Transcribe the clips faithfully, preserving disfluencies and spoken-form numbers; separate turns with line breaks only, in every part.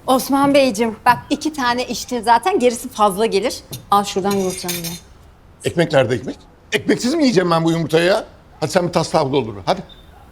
Osman Beyciğim bak iki tane içtin zaten gerisi fazla gelir. Al şuradan yumurtanı ye.
Ekmek nerede ekmek? Ekmeksiz mi yiyeceğim ben bu yumurtayı ya? Hadi sen bir tas tavla olur. Hadi.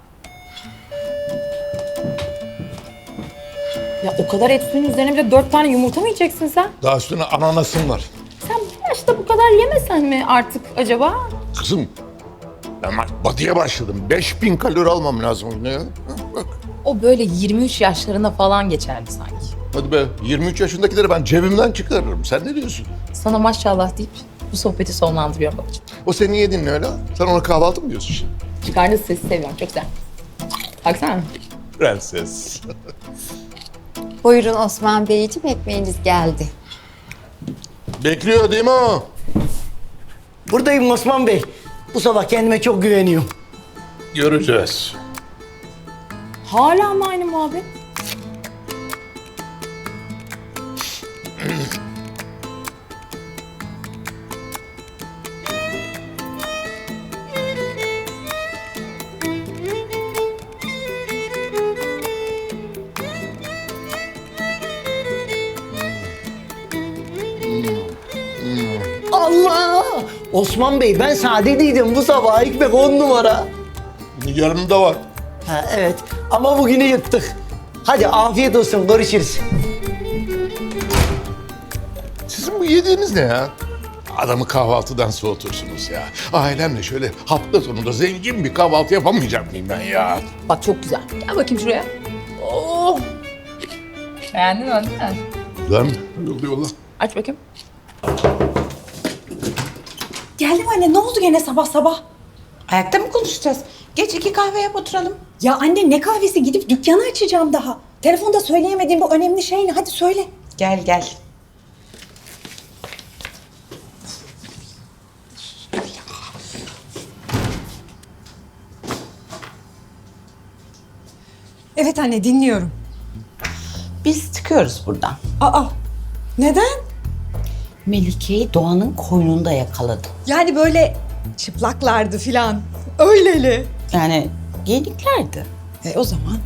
Ya o kadar et suyun üzerine bir de dört tane yumurta mı yiyeceksin sen?
Daha üstüne ananasım var.
Sen bu yaşta bu kadar yemesen mi artık acaba?
Kızım ben bak batıya başladım. beş bin kalori almam lazım. Ne ya? Ha, bak.
O böyle yirmi üç yaşlarında falan geçerdi sanki.
Hadi be yirmi üç yaşındakileri ben cebimden çıkarırım. Sen ne diyorsun?
Sana maşallah deyip bu sohbeti sonlandırıyorum babacığım.
O senin yedin ne öyle? Sen ona kahvaltı mı diyorsun şimdi?
Çıkardığı sesi seviyorum, çok güzel. Baksana.
Prenses.
Buyurun Osman Beyciğim ekmeğiniz geldi.
Bekliyor değil mi o?
Buradayım Osman Bey. Bu sabah kendime çok güveniyorum.
Göreceğiz.
Hala mı aynı muhabbet?
Allah! Osman Bey ben sadedeydim bu sabah ekmek on numara.
Yarın da var.
Ha, evet ama bugünü yuttuk. Hadi afiyet olsun görüşürüz.
Sizin bu yediğiniz ne ya? Adamı kahvaltıdan soğutursunuz ya. Ailemle şöyle hafta sonunda zengin bir kahvaltı yapamayacak mıyım ben ya?
Bak çok güzel. Gel bakayım şuraya. Oh! Beğendin mi değil mi?
Güzel mi? Yolla yolla.
Aç bakayım.
Geldim anne, ne oldu gene sabah sabah?
Ayakta mı konuşacağız? Geç iki kahve yap oturalım.
Ya anne ne kahvesi, gidip dükkanı açacağım daha. Telefonda söyleyemediğim bu önemli şey ne? Hadi söyle.
Gel gel.
Evet anne, dinliyorum.
Biz çıkıyoruz buradan.
Aa, neden?
Melike'yi Doğan'ın koynunda yakaladım.
Yani böyle çıplaklardı filan. Öyleli.
Yani giyiniklerdi.
E o zaman.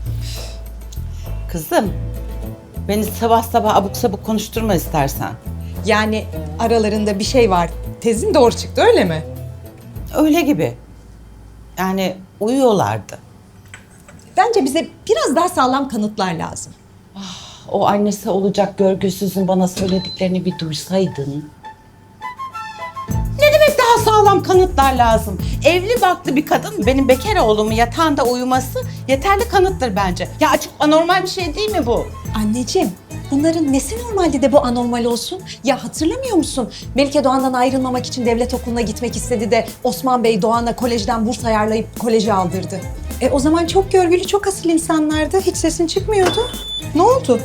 Kızım, beni sabah sabah abuk sabuk konuşturma istersen.
Yani aralarında bir şey var. Tezin doğru çıktı öyle mi?
Öyle gibi. Yani uyuyorlardı.
Bence bize biraz daha sağlam kanıtlar lazım.
O annesi olacak görgüsüzün bana söylediklerini bir duysaydın. Ne demek daha sağlam kanıtlar lazım? Evli barklı bir kadın benim bekar oğlumun yatağında uyuması yeterli kanıttır bence. Ya açık anormal bir şey değil mi bu?
Anneciğim, bunların nesi normalde de bu anormal olsun? Ya hatırlamıyor musun? Melike Doğan'dan ayrılmamak için devlet okuluna gitmek istedi de Osman Bey Doğan'a kolejden burs ayarlayıp koleje aldırdı. E o zaman çok görgülü, çok asil insanlardı. Hiç sesin çıkmıyordu. Ne oldu?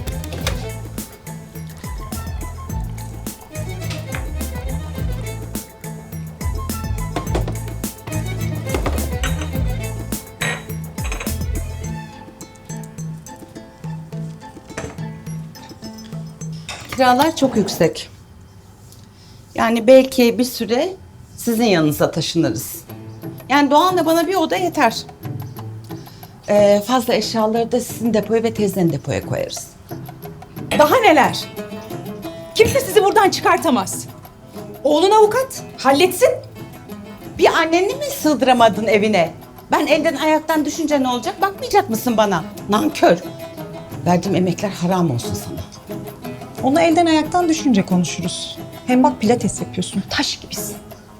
Kiralar çok yüksek. Yani belki bir süre sizin yanınıza taşınırız. Yani Doğan'la bana bir oda yeter. Ee, fazla eşyaları da sizin depoya ve teyzenin depoya koyarız.
Daha neler? Kimse sizi buradan çıkartamaz. Oğlun avukat, halletsin.
Bir anneni mi sığdıramadın evine? Ben elden ayaktan düşünce ne olacak? Bakmayacak mısın bana? Nankör. Verdiğim emekler haram olsun sana.
Onu elden ayaktan düşünce konuşuruz. Hem bak pilates yapıyorsun, taş gibisin.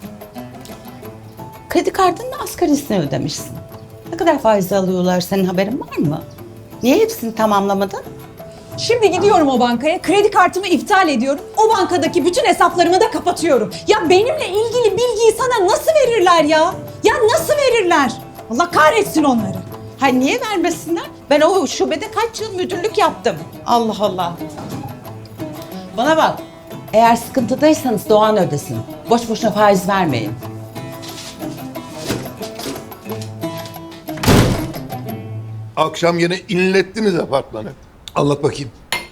Kredi kartının asgarisini ödemişsin. Ne kadar faiz alıyorlar, senin haberin var mı? Niye hepsini tamamlamadın?
Şimdi gidiyorum o bankaya, kredi kartımı iptal ediyorum. O bankadaki bütün hesaplarımı da kapatıyorum. Ya benimle ilgili bilgiyi sana nasıl verirler ya? Ya nasıl verirler? Allah kahretsin onları.
Ha niye vermesinler? Ben o şubede kaç yıl müdürlük yaptım. Allah Allah. Bana bak, eğer sıkıntıdaysanız Doğan ödesin. Boş boşuna faiz vermeyin.
Akşam yine inlettiniz apartmanı. Anlat bakayım.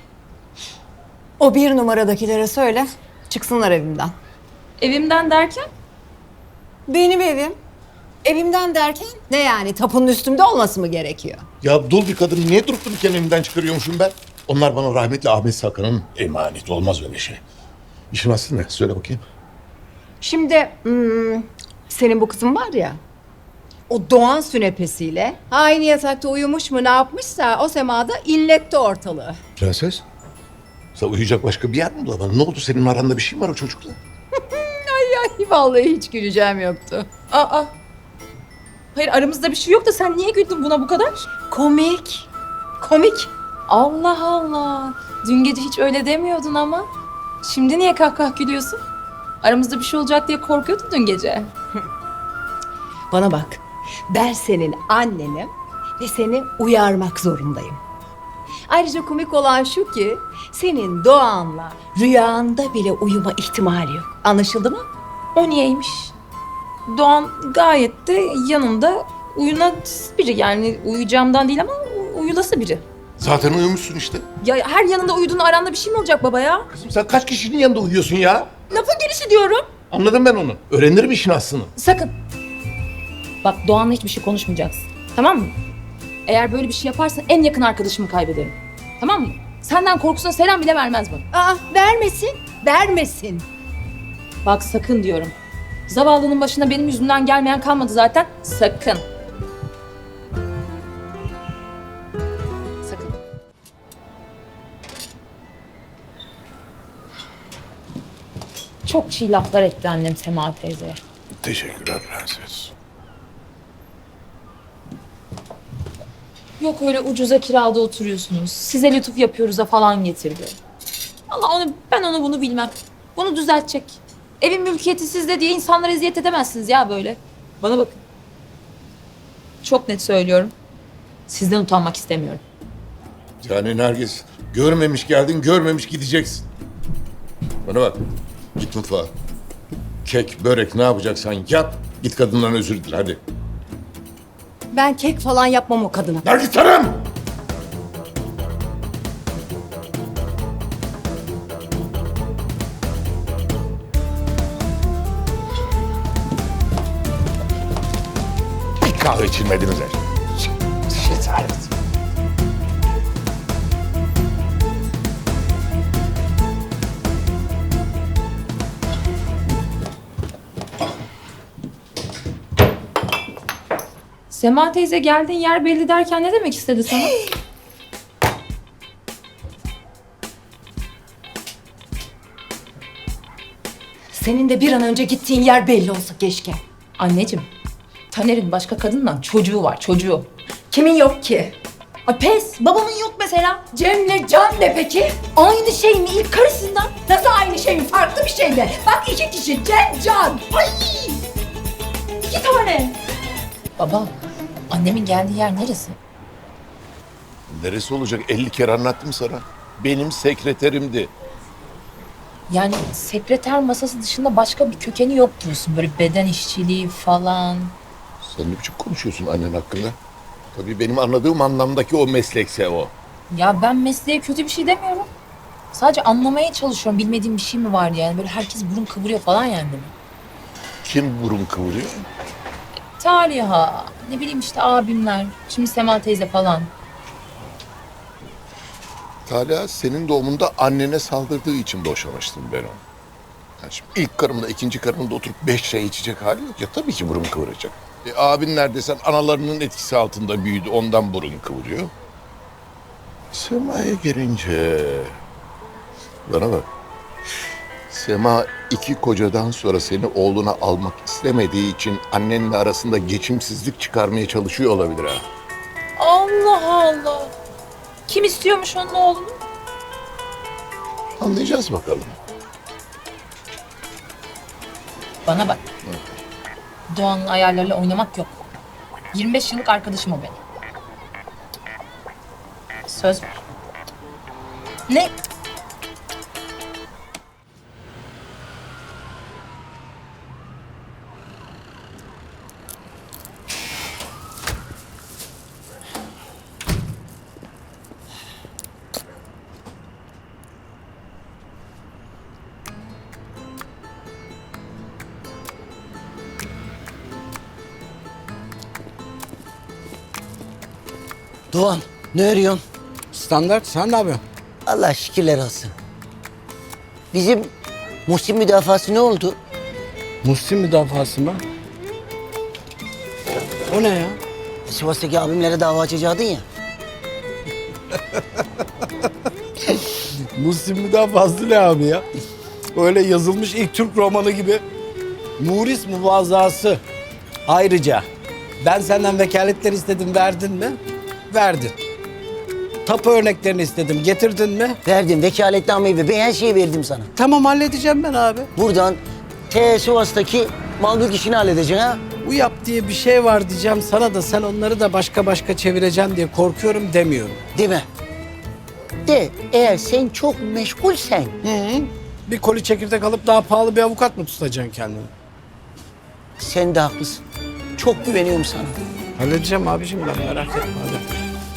O bir numaradakilere söyle çıksınlar evimden.
Evimden derken?
Benim evim. Evimden derken ne yani tapunun üstümde olması mı gerekiyor?
Ya dul bir kadın niye durup dururken evimden çıkarıyormuşum ben? Onlar bana rahmetli Ahmet Sakan'ın emaneti. Olmaz öyle şey. İşin aslı ne? Söyle bakayım.
Şimdi hmm, senin bu kızın var ya, o Doğan sünepesiyle aynı yatakta uyumuş mu ne yapmışsa o semada inletti ortalığı.
Prenses, sen uyuyacak başka bir yer mi bulamadın? Ne oldu, senin aranda bir şey mi var o çocukla?
Ay vallahi hiç güleceğim yoktu.
Aa. Hayır aramızda bir şey yok da sen niye güldün buna bu kadar?
Komik. Komik.
Allah Allah. Dün gece hiç öyle demiyordun ama. Şimdi niye kahkah gülüyorsun? Aramızda bir şey olacak diye korkuyordun dün gece.
Bana bak. Ben senin annenim ve seni uyarmak zorundayım. Ayrıca komik olan şu ki senin Doğan'la rüyanda bile uyuma ihtimali yok. Anlaşıldı mı?
O niyeymiş? Doğan gayet de yanında uyunas biri. Yani uyuyacağımdan değil ama u- uyulası biri.
Zaten uyumuşsun işte.
Ya her yanında uyuduğunda aranda bir şey mi olacak baba ya?
Kızım sen kaç kişinin yanında uyuyorsun ya?
Lafın gelişi diyorum.
Anladım ben onu. Öğrenirim işin aslını.
Sakın. Bak Doğan'la hiçbir şey konuşmayacaksın. Tamam mı? Eğer böyle bir şey yaparsan en yakın arkadaşımı kaybederim. Tamam mı? Senden korkusuna selam bile vermez bana.
Aa, vermesin. Vermesin.
Bak sakın diyorum. Zavallının başına benim yüzümden gelmeyen kalmadı zaten. Sakın. Sakın. Çok çiğ laflar etti annem Sema teyzeye.
Teşekkürler prenses.
Yok öyle ucuza kirada oturuyorsunuz. Size lütuf yapıyoruz'a falan getirdi. Allah onu ben onu bunu bilmem. Bunu düzeltecek. Evin mülkiyeti sizde diye insanlara eziyet edemezsiniz ya böyle. Bana bakın. Çok net söylüyorum. Sizden utanmak istemiyorum.
Yani Nergis, görmemiş geldin, görmemiş gideceksin. Bana bak, git mutfağa. Kek, börek ne yapacaksan yap, git kadından özür dile hadi.
Ben kek falan yapmam o kadına.
Nergis Hanım! Bir kahve içilmediniz her. Şetaret.
Sema teyze geldiğin yer belli derken ne demek istedi sana?
Senin de bir an önce gittiğin yer belli olsa keşke.
Anneciğim, Taner'in başka kadınla çocuğu var, çocuğu.
Kimin yok ki?
Ay pes, babamın yok mesela.
Cem'le Can ne peki? Aynı şey mi ilk karısından? Nasıl aynı şey mi? Farklı bir şey mi? Bak iki kişi Cem, Can. Ay!
İki tane. Baba, annemin geldiği yer neresi?
Neresi olacak? elli kere anlattım sana. Benim sekreterimdi.
Yani sekreter masası dışında başka bir kökeni yok diyorsun. Böyle beden işçiliği falan.
Sen ne biçim konuşuyorsun annen hakkında? Tabii benim anladığım anlamdaki o meslekse o.
Ya ben mesleğe kötü bir şey demiyorum. Sadece anlamaya çalışıyorum. Bilmediğim bir şey mi var yani? Böyle herkes burun kıvırıyor falan yani.
Kim burun kıvırıyor?
Taliha, ne bileyim işte abimler, şimdi Sema teyze falan.
Talha senin doğumunda annene saldırdığı için boşamıştım ben onu. Yani şimdi ilk karımla ikinci karımla oturup beş çay içecek hali yok ya, tabii ki burun kıvıracak. E, abin neredeyse analarının etkisi altında büyüdü, ondan burun kıvırıyor. Sema'ya gelince... Bana bak. Sema iki kocadan sonra seni oğluna almak istemediği için annenle arasında geçimsizlik çıkarmaya çalışıyor olabilir ha.
Allah Allah. Kim istiyormuş onun oğlunu?
Anlayacağız bakalım.
Bana bak. Doğan'ın ayarlarıyla oynamak yok. yirmi beş yıllık arkadaşım o benim. Söz ver. Ne?
Doğan, ne arıyorsun?
Standart, sen ne yapıyorsun?
Allah şükürler olsun. Bizim Muhsin müdafası ne oldu?
Muhsin müdafası mı? O ne ya?
Sivas'taki abimlere dava açacaktın ya.
Muhsin müdafası ne abi ya? Öyle yazılmış ilk Türk romanı gibi. Muris muvazası. Ayrıca ben senden vekaletler istedim, verdin mi? Verdin. Tapu örneklerini istedim, getirdin mi?
Verdim vekaletnameyi ve ben her şeyi verdim sana.
Tamam, halledeceğim ben abi.
Buradan T Sivas'taki mal mülk işini halledeceksin ha.
Bu yap diye bir şey var diyeceğim sana da sen onları da başka başka çevireceksin diye korkuyorum demiyorum.
Değil mi? De eğer sen çok meşgulsen
Hı hı. Bir koli çekirdek alıp daha pahalı bir avukat mı tutacaksın kendini?
sen de haklısın. Çok güveniyorum sana.
Halledeceğim abicim ben, merak etme hadi.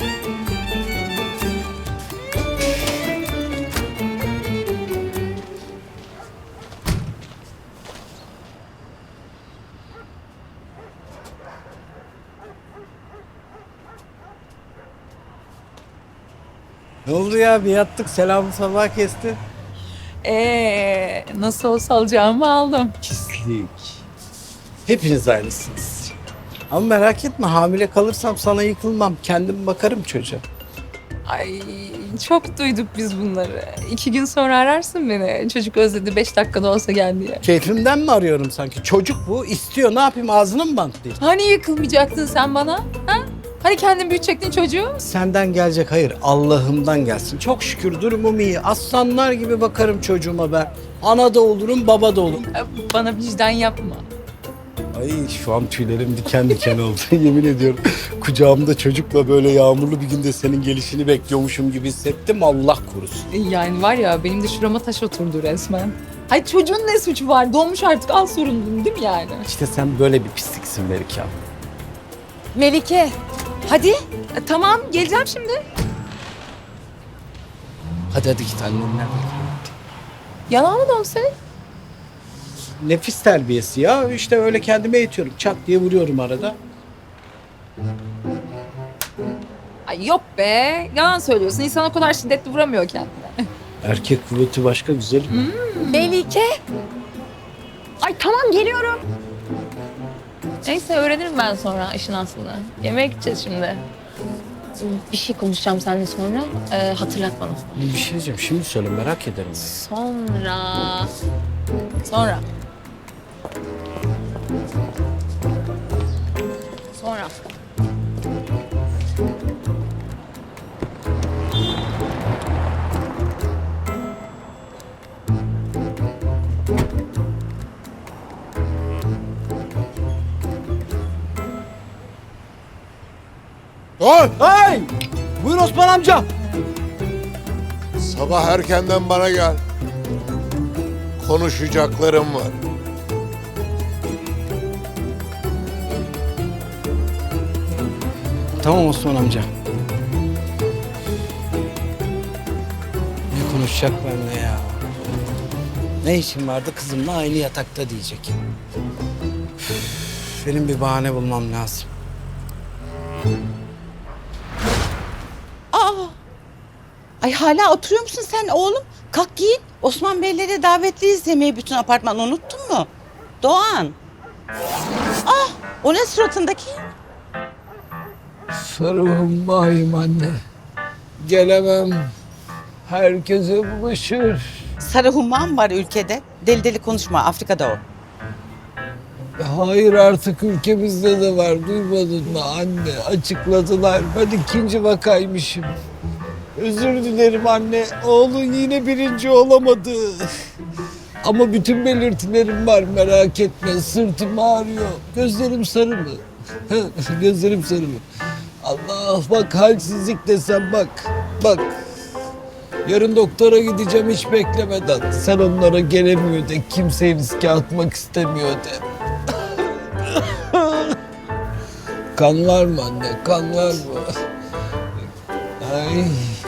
Ne oldu ya? Bir yattık, selamı sabah kesti.
Ee, nasıl olsa alacağımı aldım.
Pislik. Hepiniz aynısınız. Ama merak etme, hamile kalırsam sana yıkılmam. Kendim bakarım çocuğa.
Ay çok duyduk biz bunları. İki gün sonra ararsın beni. Çocuk özledi beş dakikada olsa gel diye.
Keyfimden mi arıyorum sanki? Çocuk bu, istiyor. Ne yapayım, ağzını mı bantlayayım?
Hani yıkılmayacaktın sen bana? Ha? Hani kendin büyütecektin çocuğu?
Senden gelecek hayır, Allah'ımdan gelsin. Çok şükür durumum iyi. Aslanlar gibi bakarım çocuğuma ben. Ana da olurum, baba da olurum.
Bana vicdan yapma.
Ay şu an tüylerim diken diken oldu. Yemin ediyorum. Kucağımda çocukla böyle yağmurlu bir günde senin gelişini bekliyormuşum gibi hissettim. Allah korusun.
Yani var ya benim de şurama taş oturdu resmen. Hay çocuğun ne suçu var? Doğmuş artık, al sorumluluğunu değil mi yani?
İşte sen böyle bir pisliksin Melike abi.
Melike, hadi. E, tamam, geleceğim şimdi.
Hadi hadi git annenler.
Yalan mı dönse?
Nefis terbiyesi ya. İşte öyle kendime eğitiyorum. Çat diye vuruyorum arada.
Ay yok be, yalan söylüyorsun. İnsan o kadar şiddetli vuramıyor kendine.
Erkek kuvveti başka güzelim.
Melike. Ay tamam, geliyorum. Neyse öğrenirim ben sonra işin aslını. Yemeğe gideceğiz şimdi. Bir şey konuşacağım seninle sonra. Ee, hatırlat bana.
Bir şey diyeceğim. Şimdi söyle, merak ederim.
Sonra. Sonra. Sonra.
Dur!
Hey! Buyur Osman amca.
Sabah erkenden bana gel. Konuşacaklarım var.
Tamam Osman amca. Ne konuşacak benimle ya? Ne işin vardı kızımla aynı yatakta diyecek. Üf, benim bir bahane bulmam lazım.
Ay hala oturuyor musun sen oğlum? Kalk giyin. Osman Beylere davetliyiz yemeği, bütün apartman unuttun mu? Doğan. Ah, o ne suratındaki?
Sarılım bayım anne. Gelemem. Herkese bulaşır.
Sarı humman var ülkede. Deli deli konuşma, Afrika'da o.
Hayır, artık ülkemizde de var. Duymadın mı anne? Açıkladılar. Ben ikinci vakaymışım. Özür dilerim anne. Oğlun yine birinci olamadı. Ama bütün belirtilerim var, merak etme. Sırtım ağrıyor. Gözlerim sarı mı? Gözlerim sarı mı? Allah, bak halsizlik desem bak. Bak. Yarın doktora gideceğim hiç beklemeden. Sen onlara gelemiyor de, kimseyi riske atmak istemiyor de. Kan var mı anne? Kan var mı? Ay.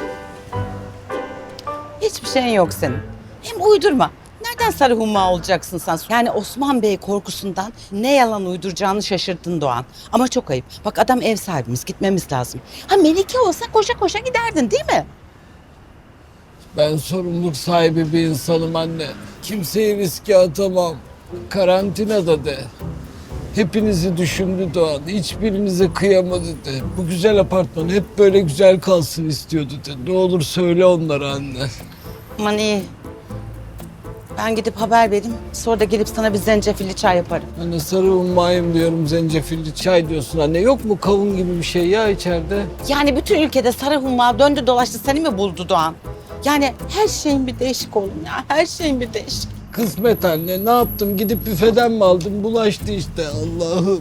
Hiçbir şeyin yok senin. Hem uydurma. Nereden sarı humma olacaksın sen? Yani Osman Bey korkusundan ne yalan uyduracağını şaşırdın Doğan. Ama çok ayıp. Bak adam ev sahibimiz, gitmemiz lazım. Ha Melike olsa koşa koşa giderdin değil mi?
Ben sorumluluk sahibi bir insanım anne. Kimseyi riske atamam. Karantinada de. Hepinizi düşündü Doğan. Hiçbirinize kıyamadı de. Bu güzel apartman hep böyle güzel kalsın istiyordu de. Ne olur söyle onlara anne.
Aman iyi. Ben gidip haber vereyim. Sonra da gelip sana bir zencefilli çay yaparım.
Anne sarı ummayım diyorum, zencefilli çay diyorsun anne. Yok mu kavun gibi bir şey ya içeride?
Yani bütün ülkede sarı humma döndü dolaştı seni mi buldu Doğan? Yani her şeyin bir değişik oğlum ya. Her şeyin bir değişik.
Kısmet anne, ne yaptım? Gidip büfeden mi aldım? Bulaştı işte Allah'ım.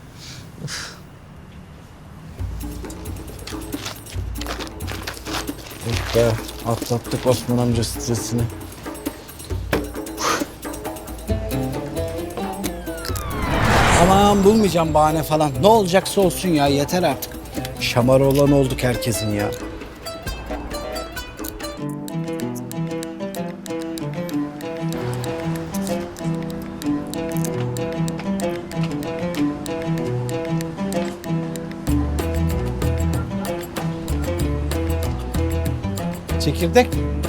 Oh be, atlattık Osman amca stresini. Aman bulmayacağım bahane falan. Ne olacaksa olsun ya, yeter artık. Şamar olan olduk herkesin ya. Çekirdek.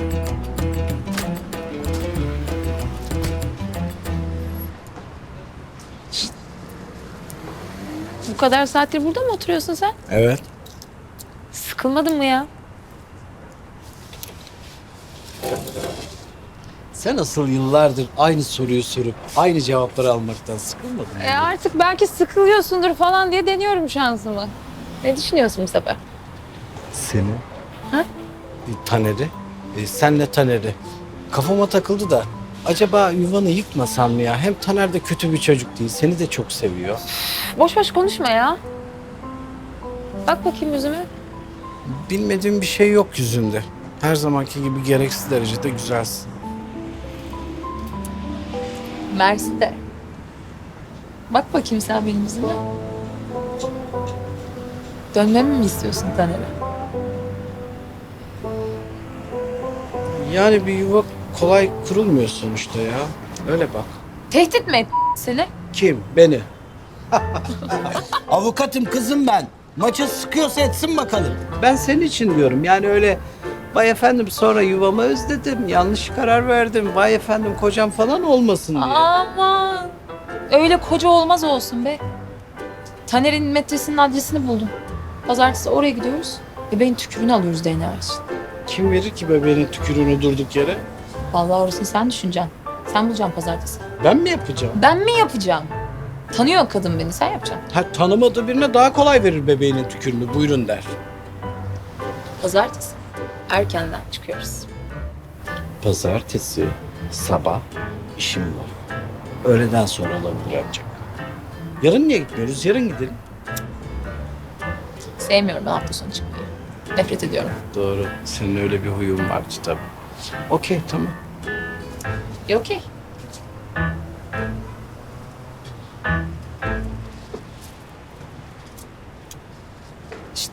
Bu kadar saattir burada mı oturuyorsun sen?
Evet.
Sıkılmadın mı ya?
Sen asıl yıllardır aynı soruyu sorup aynı cevapları almaktan sıkılmadın mı?
E artık belki sıkılıyorsundur falan diye deniyorum şansımı. Ne düşünüyorsun bu sefer?
Seni.
Ha?
Taner'i. E, senle Taner'i. Kafama takıldı da acaba yuvanı yıkmasam mı ya? Hem Taner de kötü bir çocuk değil. Seni de çok seviyor.
Boş boş konuşma ya. Bak bakayım yüzüme.
Bilmediğim bir şey yok yüzünde. Her zamanki gibi gereksiz derecede güzelsin.
Mersi de. Bak bakayım sen benim yüzüme. Dönmemi mi istiyorsun Taner'e?
Yani bir yuva kolay kurulmuyor sonuçta ya. Öyle bak.
Tehdit mi et seni?
Kim? Beni. Avukatım kızım ben. Maçı sıkıyorsa etsin bakalım. Ben senin için diyorum. Yani öyle vay efendim sonra yuvamı özledim. Yanlış karar verdim. Vay efendim kocam falan olmasın diye.
Aman. Öyle koca olmaz olsun be. Taner'in metresinin adresini buldum. Pazartesi oraya gidiyoruz. Bebeğin tükürüğünü alıyoruz D N A için.
Kim verir ki bebeğin tükürüğünü durduk yere?
Vallahi orasını sen düşüneceksin. Sen bulacaksın pazartesi.
Ben mi yapacağım?
Ben mi yapacağım? Tanıyor kadın beni, sen yapacaksın.
Ha, tanımadığı birine daha kolay verir bebeğinin tükürüğünü. Buyurun der.
Pazartesi. Erkenden çıkıyoruz.
Pazartesi sabah işim var. Öğleden sonra olabilir ancak. Yarın niye gitmiyoruz? Yarın gidelim.
Sevmiyorum ben hafta sonu çıkmayı. Nefret ediyorum.
Doğru. Senin öyle bir huyun vardı tabii. Okey, tamam.
E okey. Şşt.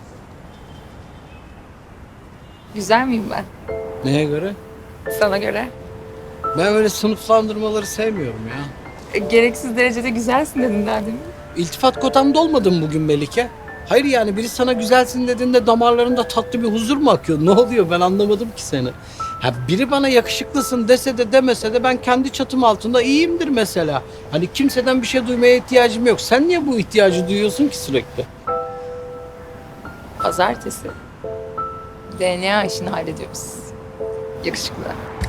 Güzel miyim ben?
Neye göre?
Sana göre.
Ben öyle sınıflandırmaları sevmiyorum ya.
E, gereksiz derecede güzelsin dedin daha demin.
İltifat kotamda olmadım bugün Melike. Hayır yani biri sana güzelsin dediğinde damarlarında tatlı bir huzur mu akıyor? Ne oluyor ben anlamadım ki seni. Ha biri bana yakışıklısın dese de demese de ben kendi çatım altında iyiyimdir mesela. Hani kimseden bir şey duymaya ihtiyacım yok. Sen niye bu ihtiyacı duyuyorsun ki sürekli?
Pazartesi. D N A işini hallediyoruz. Yakışıklı.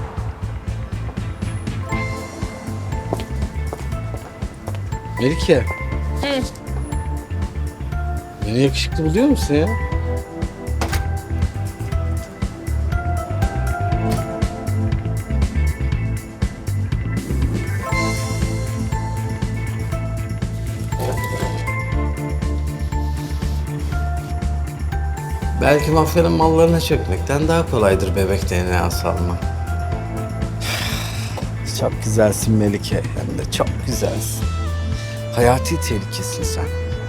Melike.
Hı.
Beni yakışıklı buluyor musun ya? Belki mafyanın mallarına çökmekten daha kolaydır bebek D N A'sı almak. Çok güzelsin Melike, hem de çok güzelsin. Hayati tehlikesin sen.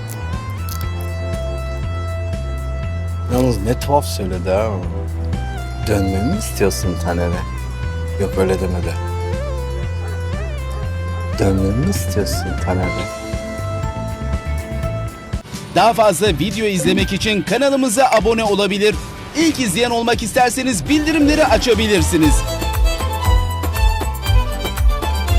Yalnız ne tuhaf söyledi ha. Dönmemi mi istiyorsun Taner'e? Yok öyle demedi. Dönmemi mi istiyorsun Taner'e?
Daha fazla video izlemek için kanalımıza abone olabilir. İlk izleyen olmak isterseniz bildirimleri açabilirsiniz.